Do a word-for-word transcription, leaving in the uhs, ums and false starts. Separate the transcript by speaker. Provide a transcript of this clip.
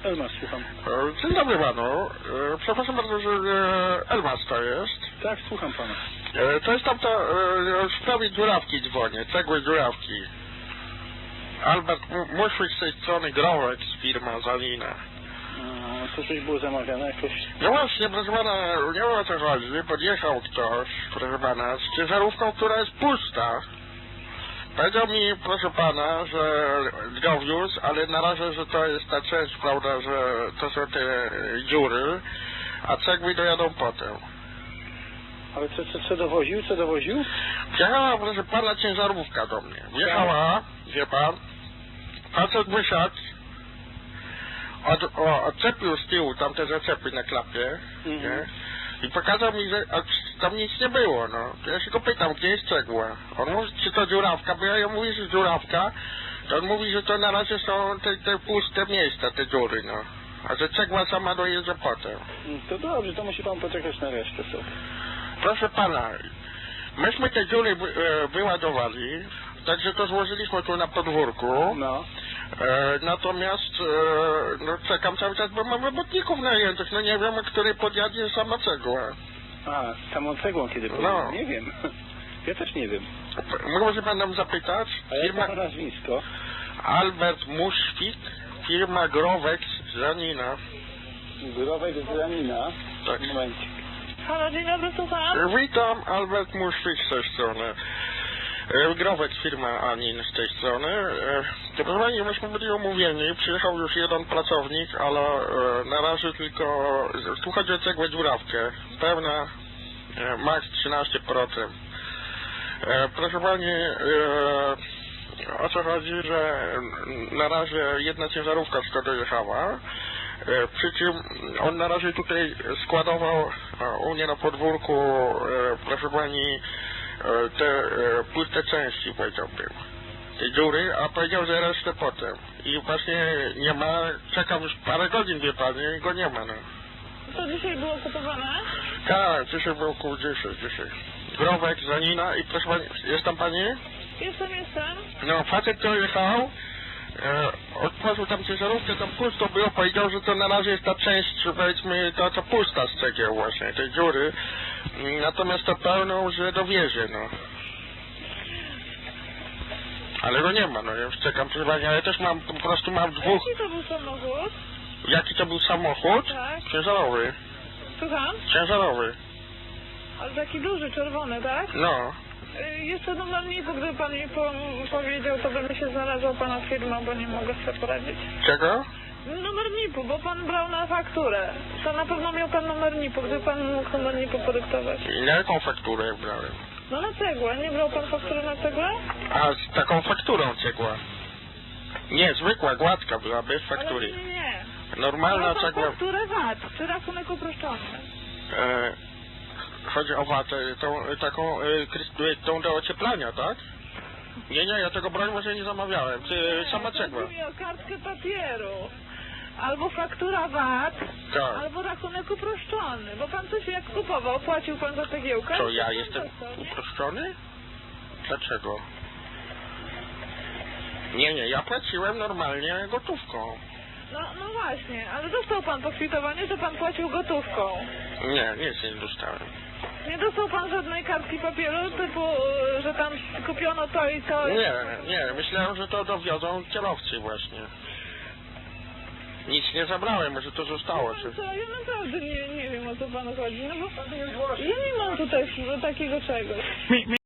Speaker 1: Elmas, słucham.
Speaker 2: E, Dzień dobry panu. E, Przepraszam bardzo, że e, Elmas to jest.
Speaker 1: Tak, słucham pana.
Speaker 2: E, To jest tamta, e, w sprawie dziurawki dzwonię, cegły dziurawki. Albert Muszwik z tej strony, Growek z firma Zalina.
Speaker 1: No, to coś było zamawiane jakoś?
Speaker 2: No właśnie, proszę pana, nie wiem o co chodzi. Podjechał ktoś, proszę pana, z ciężarówką, która jest pusta. Powiedział mi, proszę pana, że go wiózł, ale na razie, że to jest ta część, prawda, że to są te dziury, a cegły dojadą potem.
Speaker 1: Ale co, co, co dowoził? Co dowoził?
Speaker 2: Wjechała, proszę pana, ciężarówka do mnie. Wjechała, wie pan, facet wysiadł, od, o, odczepił z tyłu tamte zaczepy na klapie,
Speaker 1: Mhm.
Speaker 2: nie? I pokazał mi, że a, tam nic nie było, no. Ja się go pytam, gdzie jest cegła? On mówi, czy to dziurawka, bo ja ją mówię, że dziurawka, to on mówi, że to na razie są te, te puste miejsca, te dziury, no. A że cegła sama dojeżdża potem.
Speaker 1: To dobrze, to musi pan poczekać na resztę sobie.
Speaker 2: Proszę pana, myśmy te dziury wy, e, wyładowali, także to złożyliśmy tu na podwórku.
Speaker 1: No.
Speaker 2: E, natomiast e, no, czekam cały czas, bo mam robotników najętych, no nie wiem, który podjadzie sama cegła.
Speaker 1: A, z samą cegłą kiedy
Speaker 2: No.
Speaker 1: no. Nie wiem. Ja też nie wiem.
Speaker 2: Może pan nam zapytać?
Speaker 1: A jak
Speaker 2: Firma
Speaker 1: pana nazwisko?
Speaker 2: Albert Muszwik, firma Growek z Janina.
Speaker 1: Growek z Ranina.
Speaker 2: Tak.
Speaker 1: Momencik.
Speaker 3: Halo, dzień dobry, słucham.
Speaker 2: Witam, Albert Muszwik z tej strony. E, Growek, firma Anin z tej strony. E, to proszę pani, myśmy byli umówieni, przyjechał już jeden pracownik, ale e, na razie tylko, tu chodzi o cegłę dziurawkę, pełna, e, max trzynaście procent. E, proszę pani, e, o co chodzi, że na razie jedna ciężarówka tylko dojechała, e, przy czym on na razie tutaj składował e, u mnie na podwórku, e, proszę pani, e, te e, puste części, powiedziałbym, te dziury, a powiedział, że resztę potem. I właśnie nie ma, czekam już parę godzin, wie pani, i go nie ma, no.
Speaker 3: To dzisiaj było kupowane?
Speaker 2: Tak, dzisiaj było około dziesięć, dzisiaj. Growek, Zanina i proszę pani, jest tam pani?
Speaker 3: Jestem, jestem.
Speaker 2: No, facet to jechał, e, otworzył tam ciężarówkę, tam pusto było, powiedział, że to na razie jest ta część, powiedzmy, ta, ta pusta z cegieł właśnie, tej dziury, natomiast to pełną, że dowiezie, no. Ale go nie ma, no, ja już czekam, proszę pani, ale też mam, po prostu mam dwóch.
Speaker 3: Jaki to był samochód?
Speaker 2: Jaki to był samochód?
Speaker 3: Tak.
Speaker 2: Ciężarowy,
Speaker 3: Słucham?
Speaker 2: ciężarowy,
Speaker 3: Ale taki duży, czerwony, tak?
Speaker 2: no.
Speaker 3: Y, Jeszcze numer NIP-u, gdyby pan mi po powiedział, to by mi się znalazła pana firma, bo nie mogę sobie poradzić.
Speaker 2: Czego?
Speaker 3: Numer NIP-u, bo pan brał na fakturę. To na pewno miał pan numer NIP-u, gdyby pan mógł numer NIP-u podyktować.
Speaker 2: I na jaką fakturę brałem?
Speaker 3: No na cegłę. Nie brał pan faktury na cegłę?
Speaker 2: A z taką fakturą cegła? Nie, zwykła, gładka była, bez
Speaker 3: Ale
Speaker 2: faktury.
Speaker 3: nie, nie, nie.
Speaker 2: Normalna
Speaker 3: Brał pan
Speaker 2: cegła.
Speaker 3: fakturę V A T, czy rachunek uproszczony.
Speaker 2: E, chodzi o watę, tą taką, e, krys- tą do ocieplania, tak? Nie, nie, ja tego broń może nie zamawiałem. Ty, sama cegła.
Speaker 3: Chodzi mi o kartkę papieru. Albo faktura V A T,
Speaker 2: Tak.
Speaker 3: albo rachunek uproszczony. Bo pan coś jak kupował, płacił pan za cegiełkę?
Speaker 2: To ja jestem uproszczony? Dlaczego? Nie, nie, ja płaciłem normalnie gotówką.
Speaker 3: No, no właśnie, ale dostał pan pokwitowanie, że pan płacił gotówką.
Speaker 2: Nie, nic nie dostałem.
Speaker 3: Nie dostał pan żadnej kartki papieru typu, y, że tam kupiono to i to.
Speaker 2: Nie, nie, myślałem, że to dowiozą kierowcy właśnie. Nic nie zabrałem, może to zostało. Czy...
Speaker 3: Co, ja naprawdę nie, nie wiem, o co panu chodzi, no bo ja nie mam tutaj takiego czegoś.